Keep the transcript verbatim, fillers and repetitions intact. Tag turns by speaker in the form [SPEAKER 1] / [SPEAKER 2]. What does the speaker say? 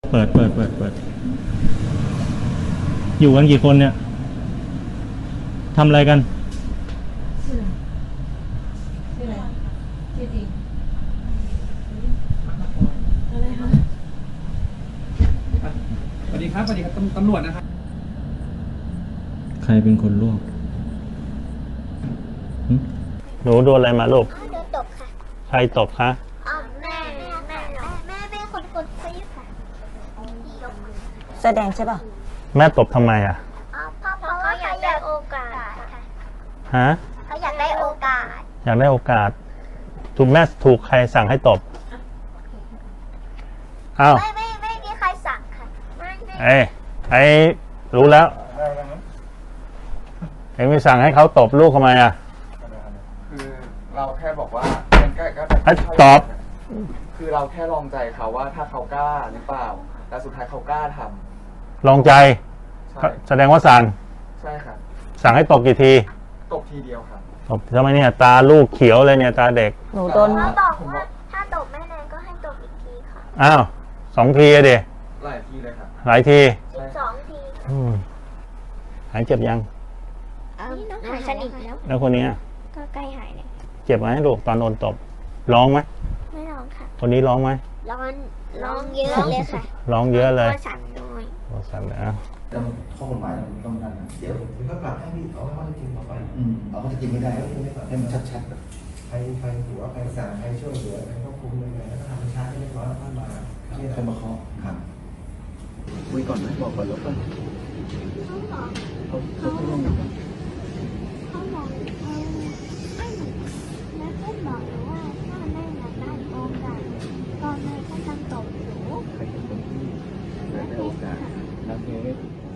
[SPEAKER 1] เปิดเปิดเปิดเปิดอยู่กันกี่คนเนี่ยทำอะไรกัน
[SPEAKER 2] ชื่อชื่ออะไรชื่อจริงอะไรคะ
[SPEAKER 3] สวัสดีครับสวัสดีครับตำรวจนะครับ
[SPEAKER 1] ใครเป็นคนลวกหนูโดนอะไรมาลูก
[SPEAKER 4] โดนตบค่ะ
[SPEAKER 1] ใครตบคะ
[SPEAKER 4] อ๋อแม่แม่แม่แม่แม่คนกดฟีค่ะ
[SPEAKER 2] แสดงใช่ป่ะ
[SPEAKER 1] แม่ตบทำไมอ่ะ
[SPEAKER 4] อ๋อเพราะเพราะเขาอยากได้โอกาสค่ะ
[SPEAKER 1] ฮะ
[SPEAKER 4] เขาอยากได้โอกาส
[SPEAKER 1] อยากได้โอกาสถูกแม่ถูกใครสั่งให้ตบอ้าว
[SPEAKER 4] ไม่ไม่ไม่มีใครสั่งค่ะไม่ไม่
[SPEAKER 1] ไอ้ไอ้รู้แล้วไอ้ไม่สั่งให้เขาตบลูกทำไมอ่ะ
[SPEAKER 5] คือเราแค่บอกว่ามันก็ก็
[SPEAKER 1] ตอบ
[SPEAKER 5] คือเราแค่ลองใจเขาว่าถ้าเขากล้าหรือเปล่าแต่สุดท้ายเขากล้าท
[SPEAKER 1] ำลองใจแสดงว่าสั่ง
[SPEAKER 5] ใช่ค่ะ
[SPEAKER 1] สั่งให้ตบกี่ที
[SPEAKER 5] ตบทีเดียวค่ะ
[SPEAKER 1] ตบทำไมเนี่ยตาลูกเขียวเลยเนี่ยตาเด็ก
[SPEAKER 2] หนูโดน
[SPEAKER 4] เขาบอกว่าถ้าตบไม่แรงก็ให้ตบอีกทีค่ะ
[SPEAKER 1] อ้าวสองทีอะดิ
[SPEAKER 5] หลายทีเลยค่ะ
[SPEAKER 1] หลายที
[SPEAKER 4] สิบสองที
[SPEAKER 1] หายเจ็บยัง
[SPEAKER 4] หายสนิทแล้ว
[SPEAKER 1] แล้วคนนี้
[SPEAKER 4] ก็ใกล้หายเลย
[SPEAKER 1] เจ็บไหมลูกตอนโดนตบร้องไหม
[SPEAKER 4] ไม่ร้องค่ะ
[SPEAKER 1] คนนี้ร้องไหม
[SPEAKER 4] ร้องร้องเยอะเลยค่ะ
[SPEAKER 1] ร้องเยอะเลย
[SPEAKER 4] ตัวสั่นด้วย
[SPEAKER 1] ตัวสั่นเลยอ่ะ
[SPEAKER 6] ต้องข้อกฎหมายมันต้องนั่นนะเดี๋ยวถึงก็ปรับให้พี่เอาข้อเท็จจริงต่อไปเอาข้อเท็จจริงไม่ได้ก็ไม่ปรับให้มันชัดๆใครใครหัวใครสั่งใครช่วยเหลือใครควบคุมยังไงแล้วก็ทำช้าให้เรียบร้อยแล้วค่อยมาที่ใครมาเคาะครับคุยก่อนไหมบอกก่อนแล้วกันเขาเขาเขาลง
[SPEAKER 4] เขาบอกเออให้เหมือนนักเล่นบอกหนูว่าถ้าแม่อยากได้โอกาสตอนแม่ก็ต้องตบหนู
[SPEAKER 6] ใครเป็นคนที่ได้โอกาสนักเรียน